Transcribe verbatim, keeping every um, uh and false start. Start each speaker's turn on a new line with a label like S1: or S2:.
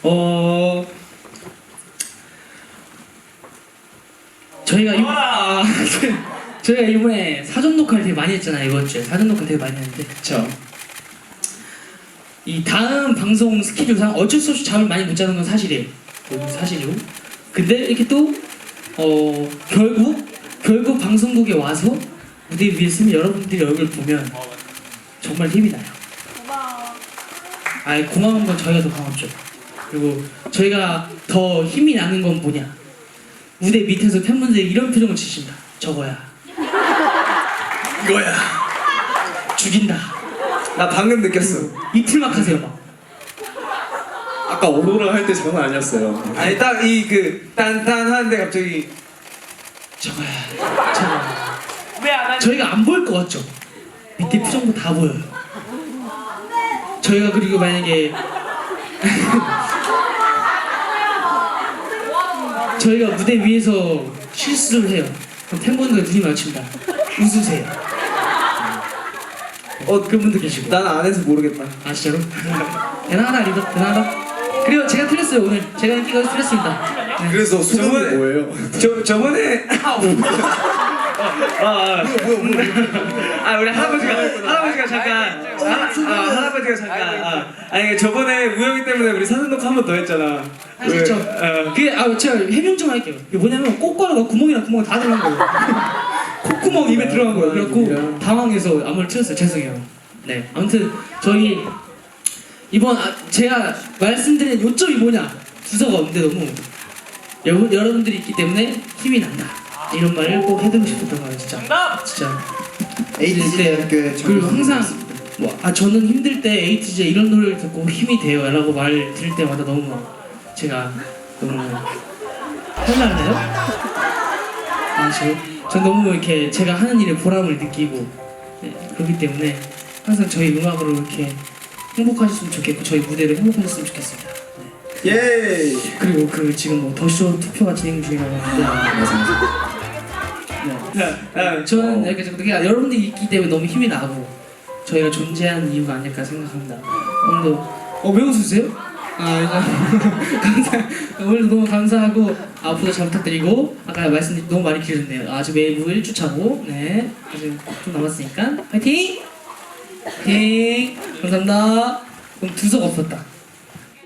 S1: 어 저희가 이번 저희가 이번에 사전 녹화를 되게 많이 했잖아요. 이번 주에 사전 녹화 되게 많이 했는데 그쵸? 이 다음 방송 스케줄상 어쩔 수 없이 잠을 많이 못 자는 건 사실이에요. 그건 사실이고 근데 이렇게 또 어 결국 결국 방송국에 와서 무대 위에 서면 여러분들이 얼굴 보면 정말 힘이 나요. 아이 고마운 건 저희가 더 고맙죠. 그리고 저희가 더 힘이 나는 건 뭐냐? 무대 밑에서 팬분들이 이런 표정을 지십니다. 저거야. 이거야. 죽인다.
S2: 나 방금 느꼈어.
S1: 이틀막 하세요 막.
S3: 아까 오로라 할 때 장난 아니었어요.
S2: 아니 딱 이 그 딴딴 하는데 갑자기
S1: 저거야. 저거야. 왜안 하지? 저희가 안 보일 것 같죠? 밑에 표정도 다 보여요. 저희가 그리고 만약에 저희가 무대 위에서 실수를 해요. 그럼 팬분들 눈이 마주칩니다. 웃으세요. 어 그분도 계시고.
S2: 난 안 해서 모르겠다.
S1: 아 진짜로? 대단하다 리더 대단하다. 그리고 제가 틀렸어요 오늘. 제가 인기가 틀렸습니다. 네.
S3: 그래서 소감이
S2: 저번에-
S3: 뭐예요?
S2: 저 저번에 아, 아, 아, 아 우리 할아버지가 할아버지가 잠깐 아, 아 할아버지가 잠깐 아, 아니 저번에 우영이 때문에 우리 사전 녹화 한 번 더 했잖아.
S1: 아 진짜.
S2: 어.
S1: 그게 아 제가 해명 좀 할게요. 이게 뭐냐면 꽃가루가 구멍이랑 구멍 다 들어간 거예요. 콧구멍 입에 들어간 거예요. 그래갖고 당황해서 아무를 틀었어요. 죄송해요. 네 아무튼 저희 이번 아, 제가 말씀드린 요점이 뭐냐 주소가 없는데 너무 여러분 여러분들이 있기 때문에 힘이 난다 이런 말을 꼭 해드리고 싶었던 거예요 진짜. 진짜.
S2: 에이티지 그
S1: 그리고 항상 뭐 아 저는 힘들 때 에이티지 이런 노래를 듣고 힘이 돼요라고 말 들을 때마다 너무 막 제가 너무 혼날래요? 아 저 전 너무 이렇게 제가 하는 일에 보람을 느끼고 네, 그렇기 때문에 항상 저희 음악으로 이렇게 행복하셨으면 좋겠고 저희 무대를 행복하셨으면 좋겠습니다. 네.
S3: 예.
S1: 그리고 그 지금 뭐 더쇼 투표가 진행 중이라고 하는데 네. 네. 저는 이렇게 그게 여러분들이 있기 때문에 너무 힘이 나고 저희가 존재하는 이유가 아닐까 생각합니다. 오늘도 어 왜 웃으세요? 아 이제 감사 오늘 너무 감사하고 앞으로 잘 부탁드리고 아까 말씀드린 너무 많이 길었네요. 아직 웨이브 일 주 차고 네 아직 좀 남았으니까 화이팅! 화이팅! 감사합니다. 그럼 두석 없었다.